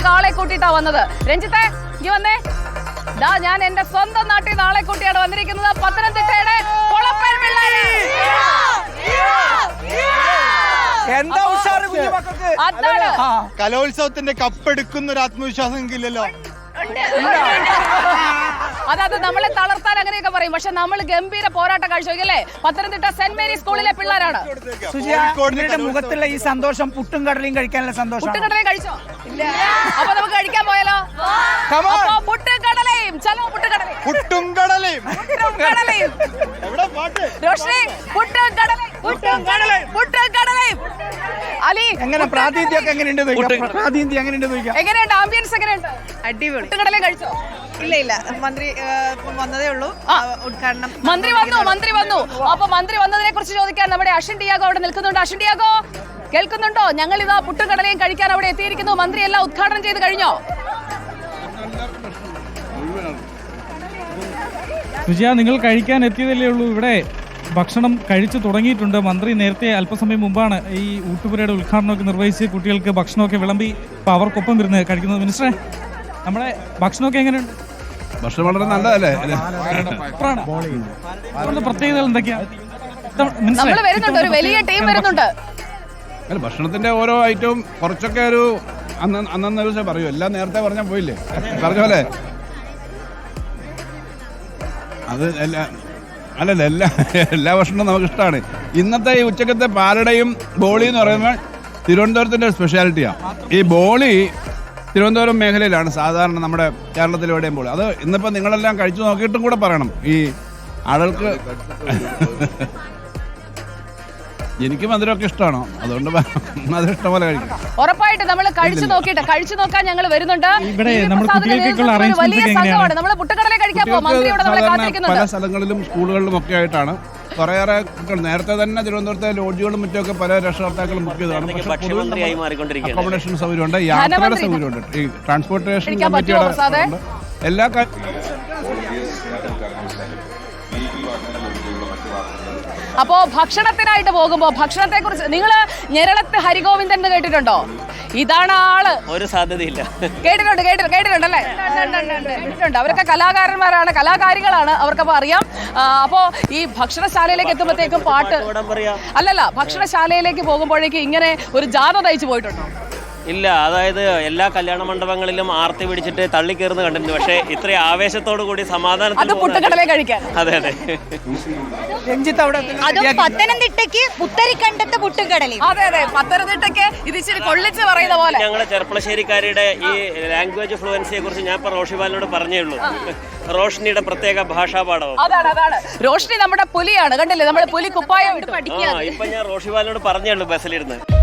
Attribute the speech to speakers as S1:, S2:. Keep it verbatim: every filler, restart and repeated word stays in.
S1: നിന്ന് ആളെ കൂട്ടിയിട്ടാ വന്നത്. രഞ്ജിത്തെ ഇനി വന്നേ. ദാ ഞാൻ എന്റെ സ്വന്തം നാട്ടിൽ നിന്ന് ആളെ കൂട്ടിയാണ് വന്നിരിക്കുന്നത്. പത്തനംതിട്ടയുടെ കൊളപ്പൻ പിള്ളേര്. അതാണ്
S2: കലോത്സവത്തിന്റെ കപ്പെടുക്കുന്ന ഒരു ആത്മവിശ്വാസം ഇല്ലല്ലോ.
S1: അതായത് നമ്മളെ തളർത്താൻ അങ്ങനെയൊക്കെ പറയും, പക്ഷെ നമ്മൾ ഗംഭീര പോരാട്ടം കാഴ്ചവെക്കല്ലേ. പത്തനംതിട്ട സെന്റ് മേരി സ്കൂളിലെ പിള്ളേരാണ്.
S3: മുഖത്തുള്ള ഈ സന്തോഷം പുട്ടും കടലയും കഴിക്കാനുള്ള സന്തോഷം.
S1: പുട്ടും കടലയും കഴിച്ചോ? അപ്പൊ നമുക്ക് കഴിക്കാൻ പോയാലോ? പുട്ടും കടലയും ചലോ. പുട്ടും കടലയും
S2: പുട്ടും കടലയും
S1: റോഷ്നി പുട്ടും കടലയും പുട്ടും കടലയും പുട്ടും കടലയും. അലി
S3: എങ്ങനെ പ്രാതിനിധ്യമൊക്കെ എങ്ങനെയുണ്ട്? പ്രാതിനിധ്യം എങ്ങനെയുണ്ട്?
S1: എങ്ങനെയുണ്ട്? ആംബിയൻസ് എങ്ങനെയുണ്ട്?
S4: അടിപൊളി.
S1: പുട്ടും കടലയും കഴിച്ചോ?
S4: ഇല്ല ഇല്ല, മന്ത്രി വന്നതേ ഉള്ളൂ. ഉദ്ഘാടനം
S1: മന്ത്രി വന്നു മന്ത്രി വന്നു അപ്പൊ മന്ത്രി വന്നതിനെ കുറിച്ച് ചോദിക്കാൻ നമ്മുടെ അഷിൻ ഡിയാഗോ അവിടെ നിൽക്കുന്നുണ്ട്. അഷിൻ ഡിയാഗോ കേൾക്കുന്നുണ്ടോ? ഞങ്ങൾ ഇതാ പുട്ടും കടലയും കഴിക്കാൻ അവിടെ എത്തിയിരിക്കുന്നു. മന്ത്രി എല്ലാം ഉദ്ഘാടനം ചെയ്ത് കഴിഞ്ഞോ?
S5: സുജിയ, നിങ്ങൾ കഴിക്കാൻ എത്തിയതല്ലേ ഉള്ളൂ. ഇവിടെ ഭക്ഷണം കഴിച്ചു തുടങ്ങിയിട്ടുണ്ട്. മന്ത്രി നേരത്തെ അല്പസമയം മുമ്പാണ് ഈ ഊട്ടുപുരയുടെ ഉദ്ഘാടനമൊക്കെ നിർവഹിച്ച് കുട്ടികൾക്ക് ഭക്ഷണമൊക്കെ വിളമ്പി ഇപ്പൊ അവർക്കൊപ്പം വരുന്നത് കഴിക്കുന്നത്. മിനിസ്റ്ററെ, നമ്മുടെ ഭക്ഷണമൊക്കെ എങ്ങനെയുണ്ട്?
S6: ഭക്ഷണം വളരെ നല്ലതല്ലേ?
S5: പ്രത്യേകതകൾ എന്തൊക്കെയാ?
S1: നമ്മൾ വരുന്നുണ്ട്, ഒരു വലിയ ടീം വരുന്നുണ്ട്.
S6: അല്ല, ഭക്ഷണത്തിന്റെ ഓരോ ഐറ്റവും കുറച്ചൊക്കെ ഒരു അന്ന് അന്നന്ന് ദിവസം പറയൂ. എല്ലാം നേരത്തെ പറഞ്ഞാൽ പോയില്ലേ? പറഞ്ഞ പോലെ അത് എല്ലാ അല്ലല്ല എല്ലാ എല്ലാ ഭക്ഷണവും നമുക്ക് ഇഷ്ടമാണ്. ഇന്നത്തെ ഈ ഉച്ചക്കത്തെ പാലടയും ബോളി എന്ന് പറയുമ്പോൾ തിരുവനന്തപുരത്തിന്റെ സ്പെഷ്യാലിറ്റിയാണ്. ഈ ബോളി തിരുവനന്തപുരം മേഖലയിലാണ് സാധാരണ നമ്മുടെ കേരളത്തിൽ എവിടെയും ബോളി. അത് ഇന്നിപ്പോൾ നിങ്ങളെല്ലാം കഴിച്ചു നോക്കിയിട്ടും കൂടെ പറയണം. ഈ ആളുകൾക്ക് എനിക്ക് മധുരമൊക്കെ ഇഷ്ടമാണോ? അതുകൊണ്ട് മധുരം ഇഷ്ടം പോലെ കഴിക്കും.
S1: ഉറപ്പായിട്ട് നമ്മൾ കഴിച്ചു നോക്കിയിട്ട് കഴിച്ചു നോക്കാൻ ഞങ്ങൾ വരുന്നുണ്ട്. വലിയ സംഘമാണ്. നമ്മൾ പുട്ടുകടല കഴിക്കാൻ പോകും. മന്ത്രിയോട് നമ്മളെ കാത്തിരിക്കുന്നുണ്ട്.
S6: പല സ്ഥലങ്ങളിലും സ്കൂളുകളിലും ഒക്കെ ആയിട്ടാണ് കുറേയേറെ നേരത്തെ തന്നെ തിരുവനന്തപുരത്തെ ലോഡ്ജുകളും മറ്റൊക്കെ പല രക്ഷകർത്താക്കളും ബുക്ക് ചെയ്തതാണ്. പക്ഷേ അക്കോമഡേഷൻ സൗകര്യമുണ്ട്, യാത്രയുടെ സൗകര്യമുണ്ട്, ഈ ട്രാൻസ്പോർട്ടേഷൻ കമ്മിറ്റിയുടെ എല്ലാ
S1: അപ്പോ ഭക്ഷണത്തിനായിട്ട് പോകുമ്പോ ഭക്ഷണത്തെ കുറിച്ച് നിങ്ങൾ ഞെരളത്ത് ഹരിഗോവിന്ദൻ എന്ന് കേട്ടിട്ടുണ്ടോ? ഇതാണ് ആള്. ഒരു സാധ്യതയില്ല. കേട്ടിട്ടുണ്ട് കേട്ടിട്ടുണ്ട് കേട്ടിട്ടുണ്ടല്ലേ? കേട്ടിട്ടുണ്ട്. അവരൊക്കെ കലാകാരന്മാരാണ്, കലാകാരികളാണ്, അവർക്കപ്പോ അറിയാം. അപ്പോ ഈ ഭക്ഷണശാലയിലേക്ക് എത്തുമ്പോഴത്തേക്കും പാട്ട് അല്ലല്ല, ഭക്ഷണശാലയിലേക്ക് പോകുമ്പോഴേക്കും ഇങ്ങനെ ഒരു ജാഥ തയ്ച്ചു പോയിട്ടുണ്ടോ?
S7: ഇല്ല, അതായത് എല്ലാ കല്യാണ മണ്ഡപങ്ങളിലും ആർത്തി പിടിച്ചിട്ട് തള്ളിക്കേറുന്ന കണ്ടിട്ടുണ്ട്. പക്ഷേ ഇത്രയും ആവേശത്തോടു കൂടി സമാധാനത്തിൽ
S1: പുട്ടുകടല കഴിക്കാൻ.
S7: അതെ അതെ.
S4: പത്തനംതിട്ടയ്ക്ക് പുത്തരിക്കണ്ടത്ത് പുട്ടുകടലയും.
S1: അതെ അതെ, പത്തനംതിട്ടയ്ക്ക് ഇത് ഇച്ചിരി കൊള്ളിച്ച് പറയുന്ന പോലെ.
S7: ഞങ്ങളെ ചെർപ്പളശ്ശേരിക്കാരുടെ ഈ ലാംഗ്വേജ് ഫ്ലുവൻസിയെ കുറിച്ച് ഞാൻ ഇപ്പൊ റോഷിബാലിനോട് പറഞ്ഞേ ഉള്ളൂ. റോഷ്നിയുടെ പ്രത്യേക ഭാഷാപാഠവും.
S1: അതാണ് അതാണ് റോഷ്നി നമ്മുടെ പുലിയാണ്. കണ്ടില്ലേ, നമ്മുടെ പുലി കുപ്പായം ഇട്ട് പഠിക്കുക.
S7: ഇപ്പൊ ഞാൻ റോഷിബാലിനോട് പറഞ്ഞേ ഉള്ളൂ ബസ്സിലിരുന്ന്.